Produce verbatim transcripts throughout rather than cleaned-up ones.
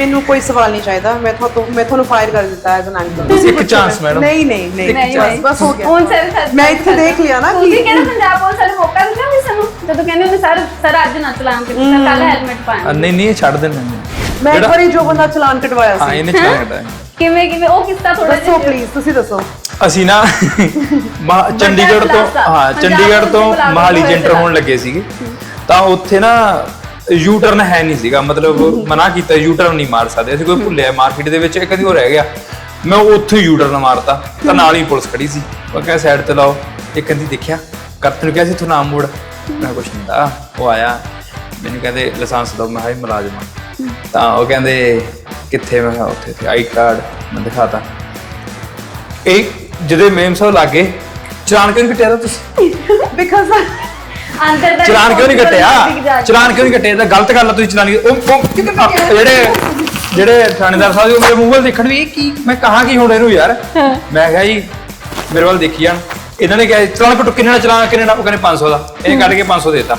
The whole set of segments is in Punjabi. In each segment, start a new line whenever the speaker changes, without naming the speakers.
ਮੈਨੂੰ ਕੋਈ ਸਵਾਲ ਨਹੀਂ ਚਾਹੀਦਾ ਮੈਂ ਤੁਹਾਨੂੰ ਮੈਂ ਤੁਹਾਨੂੰ ਫਾਇਰ ਕਰ ਦਿੱਤਾ ਐਜ਼ ਐਨ ਐਂਕਰ
ਇੱਕ ਚਾਂਸ ਮੈਡਮ
ਨਹੀਂ ਨਹੀਂ ਨਹੀਂ ਚਾਂਸ ਬਸ ਹੋ ਗਿਆ
ਹੁਣ ਸਰ
ਮੈਂ ਇੱਥੇ ਦੇਖ ਲਿਆ ਨਾ
ਤੁਸੀਂ ਕਹਿੰਦੇ ਪੰਜਾਬ ਪੁਲਿਸ ਵਾਲੇ ਮੌਕਾ ਦਿੰਦੇ ਵੀ ਸਾਨੂੰ ਜਦੋਂ ਕਹਿੰਦੇ ਹੁੰਦੇ ਸਰ ਸਰ ਅੱਜ ਨਾ ਚਲਾਨ ਕੀਤਾ ਕੱਲ ਹੈਲਮਟ ਪਾਇਆ
ਨਹੀਂ ਨਹੀਂ ਇਹ ਛੱਡ ਦੇਣਾ
ਮੈਂ ਇੱਕ ਵਾਰੀ ਜੋ ਬੰਦਾ ਚਲਾਨ ਕਟਵਾਇਆ
ਹਾਂ
ਸੀ
ਇਹਨੇ ਚਲਾਨ ਕਟਾਇਆ
ਕਿਵੇਂ ਕਿਵੇਂ ਉਹ ਕਿੱਸਾ ਥੋੜਾ
ਦੱਸੋ ਪਲੀਜ਼ ਤੁਸੀਂ ਦੱਸੋ
ਅਸੀਂ ਨਾ ਮਹਾ- ਚੰਡੀਗੜ੍ਹ ਤੋਂ ਹਾਂ ਚੰਡੀਗੜ੍ਹ ਤੋਂ ਮਹਾਲੀ ਜੈਂਟਰ ਹੋਣ ਲੱਗੇ ਸੀਗੇ ਤਾਂ ਉੱਥੇ ਨਾ ਯੂ ਟਰਨ ਹੈ ਨਹੀਂ ਸੀਗਾ ਮਤਲਬ ਮਨਾ ਕੀਤਾ ਯੂ ਟਰਨ ਨਹੀਂ ਮਾਰ ਸਕਦੇ ਅਸੀਂ ਕੋਈ ਭੁੱਲਿਆ ਮਾਰਕੀਟ ਦੇ ਵਿੱਚ ਕਦੀ ਉਹ ਰਹਿ ਗਿਆ ਮੈਂ ਉੱਥੇ ਯੂ ਟਰਨ ਮਾਰਤਾ ਤਾਂ ਨਾਲ ਹੀ ਪੁਲਿਸ ਖੜੀ ਸੀ ਉਹ ਕਹਿੰਦਾ ਸਾਈਡ ਤੇ ਲਾਓ ਇਹ ਕਹਿੰਦੀ ਦੇਖਿਆ ਕਰਤ ਨੂੰ ਕਿਹਾ ਸੀ ਤੂੰ ਨਾਮ ਮੋੜ ਮੈਂ ਕੁਛ ਨਹੀਂ ਦਾ ਉਹ ਆਇਆ ਮੈਨੂੰ ਕਹਿੰਦੇ ਲਾਇਸੈਂਸ ਦਿਓ ਮੈਂ ਹਾਈ ਮੁਲਾਜ਼ਮ ਹਾਂ ਤਾਂ ਉਹ ਕਹਿੰਦੇ ਕਿੱਥੇ ਮੈਂ ਕਿਹਾ ਉੱਥੇ ਤੇ ਆਈ ਕਾਰਡ ਮੈਂ ਦਿਖਾਤਾ ਇਹ ਜਦੋਂ ਮੇਮ ਸਾਹਿਬ ਲੱਗੇ ਚਲਾਨ ਕਿਉਂ ਨਹੀਂ ਕੱਟਿਆ ਤੁਸੀਂ
ਬਿਕਾਜ਼
ਅੰਦਰ ਦਾ
ਚਲਾਨ ਕਿਉਂ ਨਹੀਂ ਕੱਟਿਆ ਚਲਾਨ ਕਿਉਂ ਨਹੀਂ ਕੱਟਿਆ ਤਾਂ ਗਲਤ ਗੱਲ ਆ ਤੁਸੀਂ ਚਲਾਨ ਉਹ ਜਿਹੜੇ ਜਿਹੜੇ ਥਾਣੇਦਾਰ ਸਾਹਿਬ ਮੇਰੇ ਮੂੰਹ ਵੱਲ ਦੇਖਣ ਵੀ ਇਹ ਕੀ ਮੈਂ ਕਹਾਂ ਕੀ ਹੁਣ ਇਹਨੂੰ ਯਾਰ ਮੈਂ ਕਿਹਾ ਜੀ ਮੇਰੇ ਵੱਲ ਦੇਖੀ ਜਾਣ ਇਹਨਾਂ ਨੇ ਕਿਹਾ ਚਲਾਨ ਕੱਟੋ ਕਿੰਨੇ ਦਾ ਚਲਾਨ ਕਿੰਨੇ ਦਾ ਉਹ ਕਹਿੰਦੇ ਪੰਜ ਸੌ ਦਾ ਇਹ ਕੱਢ ਕੇ ਪੰਜ ਸੌ ਦੇਤਾ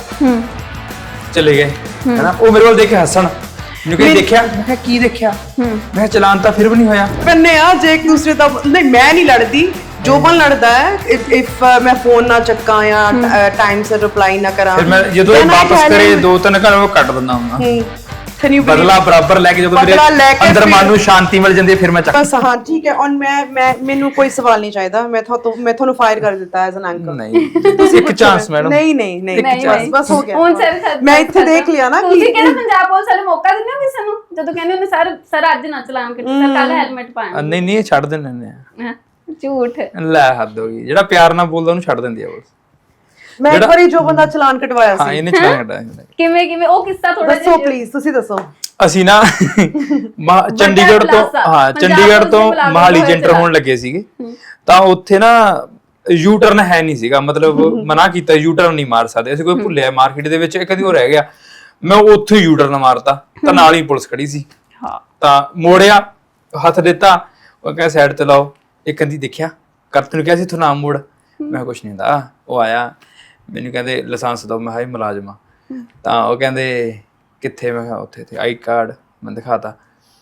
ਚਲੇ ਗਏ ਹੈਨਾ ਉਹ ਮੇਰੇ ਵੱਲ ਦੇਖ ਕੇ ਹੱਸਣ ਮੈਨੂੰ ਕਹਿੰਦੇ ਦੇਖਿਆ ਮੈਂ ਕਿਹਾ ਕੀ ਦੇਖਿਆ ਮੈਂ ਕਿਹਾ ਚਲਾਨ ਤਾਂ ਫਿਰ ਵੀ ਨਹੀਂ ਹੋਇਆ
ਬੰਨੇ ਆ ਜੇ ਇੱਕ ਦੂਸਰੇ ਦਾ ਨਹੀਂ ਮੈਂ ਨਹੀਂ ਲੜਦੀ ਜੋ ਬਨ ਲੜਦਾ ਹੈ ਇਫ ਮੈਂ ਫੋਨ ਨਾ ਚੱਕਾਂ ਜਾਂ ਟਾਈਮ ਸਿਰ ਰਿਪਲਾਈ ਨਾ ਕਰਾਂ
ਫਿਰ ਮੈਂ ਜਦੋਂ ਇਹ ਵਾਪਸ ਕਰੇ ਦੋ ਤਿੰਨ ਘੰਟੇ ਉਹ ਕੱਟ ਦਿੰਦਾ ਹੁੰਦਾ
ਕੈਨ ਯੂ
ਬਦਲਾ ਬਰਾਬਰ ਲੈ ਕੇ ਜਦੋਂ ਮੇਰੇ ਅੰਦਰ ਮਨ ਨੂੰ ਸ਼ਾਂਤੀ ਮਿਲ ਜਾਂਦੀ ਹੈ ਫਿਰ ਮੈਂ ਚੱਕ
ਬਸ ਹਾਂ ਠੀਕ ਹੈ ਔਰ ਮੈਂ ਮੈਂ ਮੈਨੂੰ ਕੋਈ ਸਵਾਲ ਨਹੀਂ ਚਾਹੀਦਾ ਮੈਂ ਤੁਹਾਨੂੰ ਮੈਂ ਤੁਹਾਨੂੰ ਫਾਇਰ ਕਰ ਦਿੱਤਾ ਐਜ਼ ਐਨ ਐਂਕਰ
ਨਹੀਂ ਤੁਸੀਂ ਇੱਕ ਚਾਂਸ ਮੈਡਮ
ਨਹੀਂ ਨਹੀਂ ਨਹੀਂ ਬਸ ਬਸ ਹੋ ਗਿਆ
ਹੁਣ ਸਰ
ਮੈਂ ਇੱਥੇ ਦੇਖ ਲਿਆ ਨਾ
ਤੁਸੀਂ ਕਹਿੰਦੇ ਪੰਜਾਬ ਪੁਲਿਸ ਵਾਲੇ ਮੌਕਾ ਦਿੰਦੇ ਹੋ ਕਿਸੇ ਨੂੰ ਜਦੋਂ ਕਹਿੰਦੇ ਹੁੰਦੇ ਸਰ ਸਰ ਅੱਜ ਨਾ ਚਲਾਨ ਕੀਤਾ ਕੱਲ ਹੈਲਮਟ ਪਾਇਆ
ਨਹੀਂ ਨਹੀਂ ਇਹ ਛੱਡ ਦਿੰਦੇ ਨੇ
ਝੂਠ
ਲੈ ਹੱਦ ਹੋ ਗਈ ਜਿਹੜਾ ਪਿਆਰ ਨਾਲ ਬੋਲਦਾ ਉਹਨੂੰ ਛੱਡ ਦਿੰਦੀ ਆ ਬਸ
ਮੈਂ ਇੱਕ ਵਾਰੀ ਜੋ ਬੰਦਾ ਚਲਾਨ ਕਟਵਾਇਆ
ਹਾਂ
ਸੀ
ਇਹਨੇ ਚਲਾਨ ਕਟਾਇਆ
ਕਿਵੇਂ ਕਿਵੇਂ ਉਹ ਕਿੱਸਾ ਥੋੜਾ
ਦੱਸੋ ਪਲੀਜ਼ ਤੁਸੀਂ ਦੱਸੋ
ਅਸੀਂ ਨਾ ਚੰਡੀਗੜ੍ਹ ਤੋਂ ਹਾਂ ਚੰਡੀਗੜ੍ਹ ਤੋਂ ਮਹਾਲੀ ਜੈਂਟਰ ਹੋਣ ਲੱਗੇ ਸੀਗੇ ਤਾਂ ਉੱਥੇ ਨਾ ਯੂ ਟਰਨ ਹੈ ਨਹੀਂ ਸੀਗਾ ਮਤਲਬ ਮਨਾ ਕੀਤਾ ਯੂ ਟਰਨ ਨਹੀਂ ਮਾਰ ਸਕਦੇ ਅਸੀਂ ਕੋਈ ਭੁੱਲਿਆ ਮਾਰਕੀਟ ਦੇ ਵਿੱਚ ਕਦੀ ਉਹ ਰਹਿ ਗਿਆ ਮੈਂ ਉੱਥੇ ਯੂ ਟਰਨ ਮਾਰਤਾ ਤਾਂ ਨਾਲ ਹੀ ਪੁਲਿਸ ਖੜੀ ਸੀ
ਹਾਂ
ਤਾਂ ਮੋੜਿਆ ਹੱਥ ਦਿੱਤਾ ਉਹ ਕਹਿੰਦਾ ਸਾਈਡ ਤੇ ਲਾਓ ਇਹ ਕਹਿੰਦੀ ਦੇਖਿਆ ਕਰਤ ਨੂੰ ਕਿਹਾ ਸੀ ਤੂੰ ਨਾਮ ਮੋੜ ਮੈਂ ਕੁਛ ਨਹੀਂ ਦਾ ਉਹ ਆਇਆ ਮੈਨੂੰ ਕਹਿੰਦੇ ਲਾਇਸੈਂਸ ਦਿਓ ਮੈਂ ਹਾਈ ਮੁਲਾਜ਼ਮ ਹਾਂ ਤਾਂ ਉਹ ਕਹਿੰਦੇ ਕਿੱਥੇ ਮੈਂ ਕਿਹਾ ਉੱਥੇ ਤੇ ਆਈ ਕਾਰਡ ਮੈਂ ਦਿਖਾਤਾ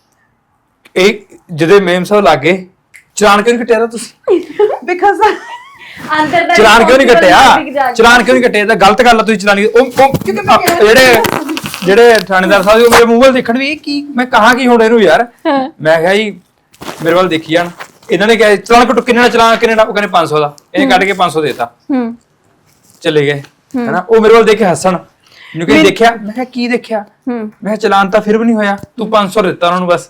ਇਹ ਜਦੋਂ ਮੇਮ ਸਾਹਿਬ ਲੱਗੇ ਚਲਾਨ ਕਿਉਂ ਨਹੀਂ ਕੱਟਿਆ ਤੁਸੀਂ
ਬਿਕਾਜ਼
ਅੰਦਰ ਦਾ
ਚਲਾਨ ਕਿਉਂ ਨਹੀਂ ਕੱਟਿਆ ਚਲਾਨ ਕਿਉਂ ਨਹੀਂ ਕੱਟਿਆ ਤਾਂ ਗਲਤ ਗੱਲ ਆ ਤੁਸੀਂ ਚਲਾਨ ਉਹ ਜਿਹੜੇ ਜਿਹੜੇ ਥਾਣੇਦਾਰ ਸਾਹਿਬ ਮੇਰੇ ਮੂੰਹ ਵੱਲ ਦੇਖਣ ਵੀ ਇਹ ਕੀ ਮੈਂ ਕਹਾਂ ਕੀ ਹੁਣ ਇਹਨੂੰ ਯਾਰ ਮੈਂ ਕਿਹਾ ਜੀ ਮੇਰੇ ਵੱਲ ਦੇਖੀ ਜਾਣ ਇਹਨਾਂ ਨੇ ਕਿਹਾ ਚਲਾਨ ਕੱਟੋ ਕਿੰਨੇ ਦਾ ਚਲਾਨ ਕਿੰਨੇ ਦਾ ਉਹ ਕਹਿੰਦੇ ਪੰਜ ਸੌ ਦਾ ਇਹ ਕੱਢ ਕੇ ਪੰਜ ਸੌ ਦੇਤਾ ਚਲੇ ਗਏ ਹੈਨਾ ਉਹ ਮੇਰੇ ਵੱਲ ਦੇਖ ਕੇ ਹੱਸਣ ਮੈਨੂੰ ਕਹਿੰਦੇ ਦੇਖਿਆ ਮੈਂ ਕਿਹਾ ਕੀ ਦੇਖਿਆ ਮੈਂ ਕਿਹਾ ਚਲਾਨ ਤਾਂ ਫਿਰ ਵੀ ਨਹੀਂ ਹੋਇਆ ਤੂੰ ਪੰਜ ਸੌ ਦਿੱਤਾ ਉਹਨਾਂ ਨੂੰ ਬਸ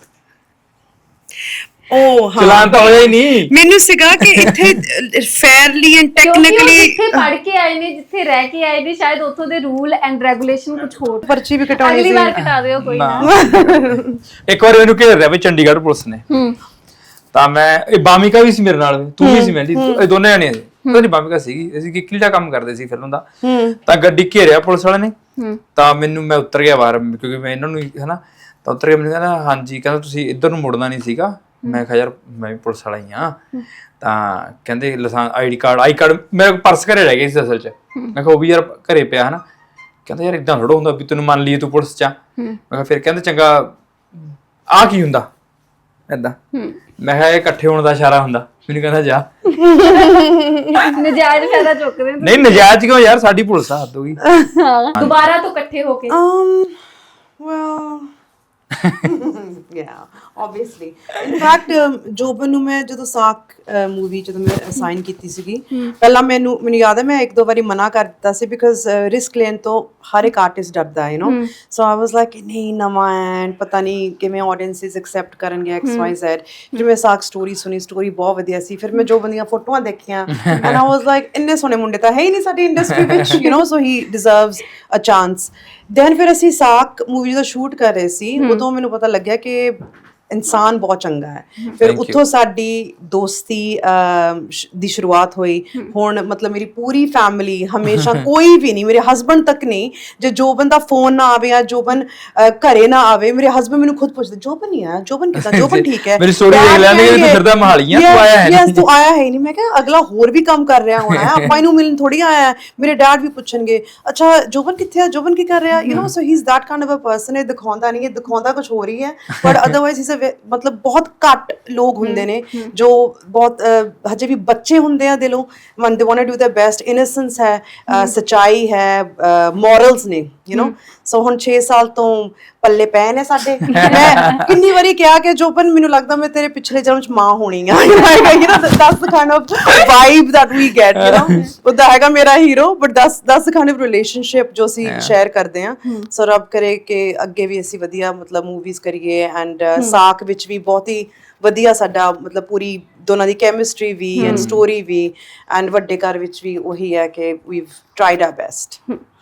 ਉਹ ਹਾਂ
ਚਲਾਨ ਤਾਂ ਹੋਇਆ ਹੀ ਨਹੀਂ
ਮੈਨੂੰ ਸੀਗਾ ਕਿ ਇੱਥੇ ਫੇਅਰਲੀ ਐਂਡ ਟੈਕਨੀਕਲੀ
ਜਿੱਥੇ ਪੜ ਕੇ ਆਏ ਨੇ ਜਿੱਥੇ ਰਹਿ ਕੇ ਆਏ ਨੇ ਸ਼ਾਇਦ ਉੱਥੋਂ ਦੇ ਰੂਲ ਐਂਡ ਰੈਗੂਲੇਸ਼ਨ ਕੁਝ ਹੋਰ
ਪਰਚੀ ਵੀ ਕਟਾਉਣੀ
ਅਗਲੀ
ਸੀ
ਵਾਰ ਕਟਾ ਦਿਓ ਕੋਈ ਨਾ
ਇੱਕ ਵਾਰ ਮੈਨੂੰ ਘੇਰ ਰਿਹਾ ਵੀ ਚੰਡੀਗੜ੍ਹ ਪੁਲਿਸ ਨੇ ਤਾਂ ਮੈਂ ਇਹ ਬਾਮਿਕਾ ਵੀ ਸੀ ਮੇਰੇ ਨਾਲ ਤੂੰ ਵੀ ਸੀ ਮੈਂ ਇਹ ਦੋਨੇ ਜਣੇ ਸੀ ਪਤਾ ਨਹੀਂ ਬਾਮਿਕਾ ਸੀਗੀ ਅਸੀਂ ਕਿੱਕਲੀ ਦਾ ਕੰਮ ਕਰਦੇ ਸੀ ਫਿਲਮ ਦਾ ਤਾਂ ਗੱਡੀ ਘੇਰਿਆ ਪੁਲਿਸ ਵਾਲੇ ਨੇ ਤਾਂ ਮੈਨੂੰ ਮੈਂ ਉਤਰ ਗਿਆ ਬਾਹਰ ਕਿਉਂਕਿ ਮੈਂ ਇਹਨਾਂ ਨੂੰ ਹਨਾ ਤਾਂ ਉਤਰ ਗਿਆ ਮੈਨੂੰ ਕਹਿੰਦਾ ਹਾਂਜੀ ਕਹਿੰਦਾ ਤੁਸੀਂ ਇੱਧਰ ਨੂੰ ਮੁੜਨਾ ਨਹੀਂ ਸੀਗਾ ਮੈਂ ਕਿਹਾ ਯਾਰ ਮੈਂ ਵੀ ਪੁਲਿਸ ਵਾਲਾ ਹੀ ਆ ਤਾਂ ਕਹਿੰਦੇ licence ID card I card ਮੇਰੇ ਪਰਸ ਘਰੇ ਰਹਿ ਗਿਆ ਸੀ ਅਸਲ 'ਚ ਮੈਂ ਕਿਹਾ ਉਹ ਵੀ ਯਾਰ ਘਰੇ ਪਿਆ ਹਨਾ ਕਹਿੰਦਾ ਯਾਰ ਇਦਾਂ ਥੋੜਾ ਹੁੰਦਾ ਵੀ ਤੈਨੂੰ ਮੰਨ ਲਈਏ ਤੂੰ ਪੁਲਿਸ 'ਚ ਆ ਮੈਂ ਕਿਹਾ ਫਿਰ ਕਹਿੰਦੇ ਚੰਗਾ ਆਹ ਕੀ ਹੁੰਦਾ ਏਦਾਂ ਮੈਂ ਕਿਹਾ ਇਹ ਇਕੱਠੇ ਹੋਣ ਦਾ ਇਸ਼ਾਰਾ ਹੁੰਦਾ ਮੈਨੂੰ ਕਹਿੰਦਾ ਜਾ
ਨਜਾਇਜ਼ ਫਾਇਦਾ ਚੁੱਕਦੇ
ਨਹੀਂ ਨਜਾਇਜ਼ ਕਿਉਂ ਯਾਰ ਸਾਡੀ ਪੁਲਿਸ ਆ ਹੱਦ ਹੋ ਗਈ
ਦੁਬਾਰਾ ਤੋਂ ਇਕੱਠੇ ਹੋ ਕੇ
um well yeah obviously in fact ਜੋਬਨ ਨੂੰ ਮੈਂ ਜਦੋਂ ਸਾਕ ਮੂਵੀ ਜਦੋਂ ਮੈਂ ਅਸਾਈਨ ਕੀਤੀ ਸੀਗੀ ਪਹਿਲਾਂ ਮੈਨੂੰ ਮੈਨੂੰ ਯਾਦ ਹੈ ਮੈਂ ਇੱਕ ਦੋ ਵਾਰੀ ਮਨਾ ਕਰ ਦਿੱਤਾ ਸੀ ਬਿਕਾਜ਼ ਰਿਸਕ ਲੈਣ ਤੋਂ ਹਰ ਇੱਕ ਆਰਟਿਸਟ ਡਰਦਾ ਹੈ you know so I was like ਨਹੀਂ ਨਵਾਂ ਐਂਡ ਪਤਾ ਨਹੀਂ ਕਿਵੇਂ ਆਡੀਅנਸਸ ਐਕਸੈਪਟ ਕਰਨਗੇ ਐਕਸ ਵਾਈ ਜ਼ੈਡ ਫਿਰ ਮੈਂ ਸਾਕ ਸਟੋਰੀ ਸੁਣੀ ਸਟੋਰੀ ਬਹੁਤ ਵਧੀਆ ਸੀ ਫਿਰ ਮੈਂ ਜੋਬਨ ਦੀਆਂ ਫੋਟੋਆਂ ਦੇਖੀਆਂ ਐਂਡ ਆਈ ਵਾਸ ਲਾਈਕ ਇੰਨੇ ਸੋਹਣੇ ਮੁੰਡੇ ਤਾਂ ਹੈ ਹੀ ਨਹੀਂ ਸਾਡੀ ਇੰਡਸਟਰੀ ਵਿੱਚ you know so he deserves a chance then ਫਿਰ ਅਸੀਂ ਸਾਕ ਮੂਵੀ ਦਾ ਸ਼ੂਟ ਕਰ ਰਹੇ ਸੀ ਉਦੋਂ ਮੈਨੂੰ ਪਤਾ ਲੱਗਿਆ ਕਿ ਇਨਸਾਨ ਬਹੁਤ ਚੰਗਾ ਹੈ। ਫਿਰ
Thank you.
ਉੱਥੋਂ ਸਾਡੀ ਦੋਸਤੀ ਅਹ, ਸ਼- ਦੀ ਸ਼ੁਰੂਆਤ ਹੋਈ। ਹੁਣ ਮਤਲਬ ਮੇਰੀ ਪੂਰੀ ਫੈਮਿਲੀ ਹਮੇਸ਼ਾ ਕੋਈ ਵੀ ਨਹੀਂ, ਮੇਰੇ ਹਸਬੰਡ ਤੱਕ ਨਹੀਂ, ਜੇ ਜੋਬਨ ਦਾ ਫੋਨ ਨਾ ਆਵੇ ਜਾਂ ਜੋਬਨ ਅਹ, ਘਰੇ ਨਾ ਆਵੇ, ਮੇਰੇ ਹਸਬੰਡ ਮੈਨੂੰ ਖੁਦ ਪੁੱਛਦੇ ਜੋਬਨ ਨਹੀਂ ਆਇਆ, ਜੋਬਨ ਕਿੱਦਾਂ, ਜੋਬਨ ਠੀਕ ਹੈ।
ਮੇਰੀ story ਦੇਖ ਲੈਣਗੇ, ਤੂੰ ਫਿਰਦਾ ਮੋਹਾਲੀ ਆਂ, ਤੂੰ ਆਇਆ ਹੈ
ਨਹੀਂ
ਨਹੀਂ।
ਤੂੰ ਆਇਆ ਹੈ ਨਹੀਂ। ਮੈਂ ਕਿਹਾ ਅਗਲਾ ਹੋਰ ਵੀ ਕੰਮ ਕਰ ਰਿਹਾ ਹੋਣਾ ਹੈ, ਆਪਾਂ ਇਹਨੂੰ ਮਿਲਣ ਥੋੜੀ ਆਇਆ ਹੈ। ਮੇਰੇ ਡੈਡ ਵੀ ਪੁੱਛਣਗੇ ਅੱਛਾ ਜੋਬਨ ਕਿੱਥੇ ਆ, ਜੋਬਨ ਕੀ ਕਰ ਰਿਹਾ, you know so he is that kind of a person. ਇਹ ਦਿਖਾਉਂਦਾ ਨਹੀਂ, ਇਹ ਦਿਖਾਉਂਦਾ ਕੁਝ ਹੋਰ ਹੀ ਹੈ, ਬਟ ਅਦਰਵਾਈਜ਼ ਇਜ਼ ਅ ਮਤਲਬ ਬਹੁਤ ਘੱਟ ਲੋਕ ਹੁੰਦੇ ਨੇ ਜੋ ਬਹੁਤ ਅਹ, ਹਜੇ ਵੀ ਬੱਚੇ ਹੁੰਦੇ ਆ ਦਿਲੋਂ, ਮਨ ਦੇ want to do their best. Innocence ਹੈ, ਅਹ, ਸੱਚਾਈ ਹੈ, ਮੋਰਲਸ ਨੇ, ਯੂ نو ਸੋ ਹੁਣ ਛੇ ਸਾਲ ਤੋਂ ਪੱਲੇ ਪਏ ਨੇ ਸਾਡੇ। ਮੈਂ ਕਿੰਨੀ ਵਾਰੀ ਕਿਹਾ ਕਿ ਜੋਬਨ ਮੈਨੂੰ ਲੱਗਦਾ ਮੈਂ ਤੇਰੇ ਪਿਛਲੇ ਜਨਮ ਚ ਮਾਂ ਹੋਣੀ ਆ, you know that's the kind of vibe that we get, you know ਉਹਦਾ ਹੈਗਾ ਮੇਰਾ hero, but that's that's the kind of relationship ਜੋ ਅਸੀਂ ਸ਼ੇਅਰ ਕਰਦੇ ਆ। ਸੋ ਰੱਬ ਕਰੇ ਕਿ ਅੱਗੇ ਵੀ ਅਸੀਂ ਵਧੀਆ ਮਤਲਬ ਮੂਵੀਜ਼ ਕਰੀਏ, ਐਂਡ ਸਾਕ ਵਿੱਚ ਵੀ ਬਹੁਤ ਹੀ ਵਧੀਆ ਸਾਡਾ ਮਤਲਬ ਪੂਰੀ ਦੋਨਾਂ ਦੀ ਕੈਮਿਸਟਰੀ ਵੀ ਐਂਡ ਸਟੋਰੀ ਵੀ, ਐਂਡ ਵੱਡੇ ਘਰ ਵਿੱਚ ਵੀ ਉਹੀ ਹੈ ਕਿ ਵੀਵ ਟਰਾਈਡ ਆਰ ਬੈਸਟ।